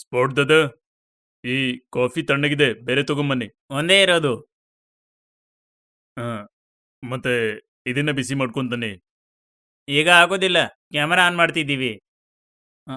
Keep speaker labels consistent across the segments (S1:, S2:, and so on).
S1: ಸ್ಫೋಟದ ಈ ಕಾಫಿ ತಣ್ಣಗಿದೆ, ಬೇರೆ ತಗೊಂಬನ್ನಿ. ಒಂದೇ ಇರೋದು. ಹಾ, ಮತ್ತೆ ಇದನ್ನ ಬಿಸಿ ಮಾಡ್ಕೊಂತಾನೆ. ಈಗ ಆಗೋದಿಲ್ಲ, ಕ್ಯಾಮರಾ ಆನ್ ಮಾಡ್ತಿದ್ದೀವಿ. ಹ,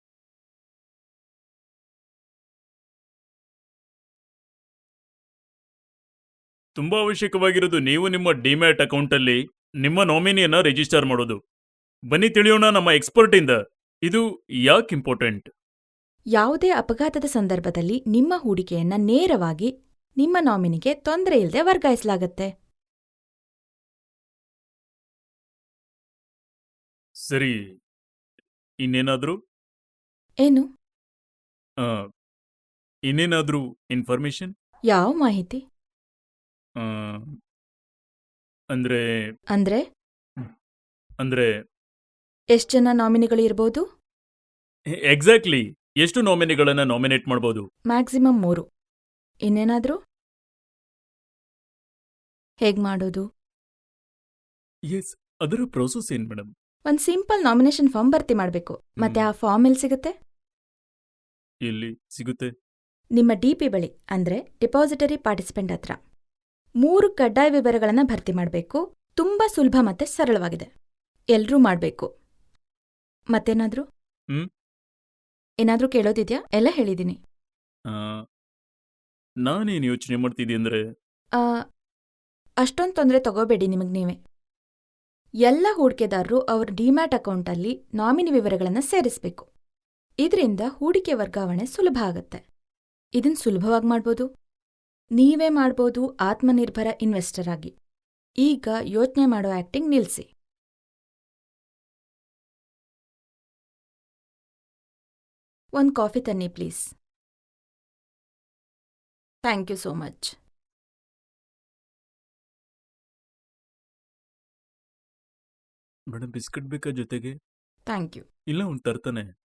S1: ತುಂಬಾ ಅವಶ್ಯಕವಾಗಿರೋದು ನೀವು ನಿಮ್ಮ ಡಿಮ್ಯಾಟ್ ಅಕೌಂಟಲ್ಲಿ ನಿಮ್ಮ ನಾಮಿನಿಯನ್ನ ರಿಜಿಸ್ಟರ್ ಮಾಡೋದು. ಬನ್ನಿ ತಿಳಿಯೋಣ ನಮ್ಮ ಎಕ್ಸ್ಪರ್ಟ್ ಇಂದ. ಇದು ಯಾಕೆ ಇಂಪಾರ್ಟೆಂಟ್?
S2: ಯಾವುದೇ ಅಪಘಾತದ ಸಂದರ್ಭದಲ್ಲಿ ನಿಮ್ಮ ಹೂಡಿಕೆಯನ್ನ ನೇರವಾಗಿ ನಿಮ್ಮ ನಾಮಿನಿಗೆ ತೊಂದರೆ ಇಲ್ಲದೆ ವರ್ಗಾಯಿಸಲಾಗತ್ತೆ.
S1: ಸರಿ, ಇನ್ನೇನಾದ್ರೂ
S2: ಏನು?
S1: ಆ, ಇನ್ನೇನಾದ್ರೂ ಇನ್ಫಾರ್ಮೇಶನ್?
S2: ಯಾವ ಮಾಹಿತಿ?
S1: ಅಂದ್ರೆ
S2: ಅಂದ್ರೆ
S1: ಅಂದ್ರೆ
S2: ಎಷ್ಟ್ ಜನ ನಾಮಿನಿಗಳಿರ್ಬೋದು?
S1: ಎಕ್ಸಾಕ್ಟ್ಲಿ ಎಷ್ಟು ನಾಮಿನಿಗಳನ್ನ ನಾಮಿನೇಟ್ ಮಾಡ್ಬೋದು?
S2: ಮ್ಯಾಕ್ಸಿಮಮ್ 3. ಇನ್ನೇನಾದ್ರೂ? ಹೇಗ್ ಮಾಡೋದು?
S1: ಎಸ್, ಅದರ ಪ್ರೋಸೆಸ್ ಏನ್ ಮೇಡಮ್?
S2: ಒಂದ್ ಸಿಂಪಲ್ ನಾಮಿನೇಷನ್ ಫಾರ್ಮ್ ಭರ್ತಿ ಮಾಡ್ಬೇಕು. ಮತ್ತೆ ಆ ಫಾರ್ಮ್ ಎಲ್ಲಿ ಸಿಗುತ್ತೆ?
S1: ಎಲ್ಲಿ ಸಿಗುತ್ತೆ?
S2: ನಿಮ್ಮ ಡಿಪಿ ಬಳಿ, ಅಂದ್ರೆ ಡಿಪಾಸಿಟರಿ ಪಾರ್ಟಿಸಿಪೆಂಟ್ ಹತ್ರ. 3 ಕಡ್ಡಾಯ ವಿವರಗಳನ್ನ ಭರ್ತಿ ಮಾಡ್ಬೇಕು. ತುಂಬಾ ಸುಲಭ ಮತ್ತೆ ಸರಳವಾಗಿದೆ. ಎಲ್ರೂ ಮಾಡ್ಬೇಕು. ಮತ್ತೇನಾದ್ರೂ?
S1: ಹ್ಮ್
S2: ಏನಾದ್ರೂ ಕೇಳೋದಿದ್ಯಾ? ಎಲ್ಲ ಹೇಳಿದೀನಿ.
S1: ಆ, ನಾನೇನ್ ಯೋಚನೆ ಮಾಡ್ತಿದ್ದೆ ಅಂದ್ರೆ
S2: ಆ, ಅಷ್ಟೊಂದ್ ತೊಂದರೆ ತಗೋಬೇಡಿ ನಿಮಗ್ ನೀವೇ. ಎಲ್ಲ ಹೂಡಿಕೆದಾರರು ಅವ್ರ ಡಿಮ್ಯಾಟ್ ಅಕೌಂಟಲ್ಲಿ ನಾಮಿನಿ ವಿವರಗಳನ್ನ ಸೇರಿಸ್ಬೇಕು. ಇದರಿಂದ ಹೂಡಿಕೆ ವರ್ಗಾವಣೆ ಸುಲಭ ಆಗತ್ತೆ. ಇದನ್ ಸುಲಭವಾಗಿ ಮಾಡ್ಬೋದು. ನೀವೇ ಮಾಡ್ಬೋದು ಆತ್ಮನಿರ್ಭರ ಇನ್ವೆಸ್ಟರ್ ಆಗಿ. ಈಗ ಯೋಚನೆ ಮಾಡೋ ಆಕ್ಟಿಂಗ್ ನಿಲ್ಸಿ. ಒಂದ್ ಕಾಫಿ ತನ್ನಿ please. Thank you so much.
S1: Madam biscuit ಬೇಕಾ ಜೊತೆಗೆ?
S2: Thank you.
S1: ಇಲ್ಲ, ಅವ್ನು ತರ್ತಾನೆ.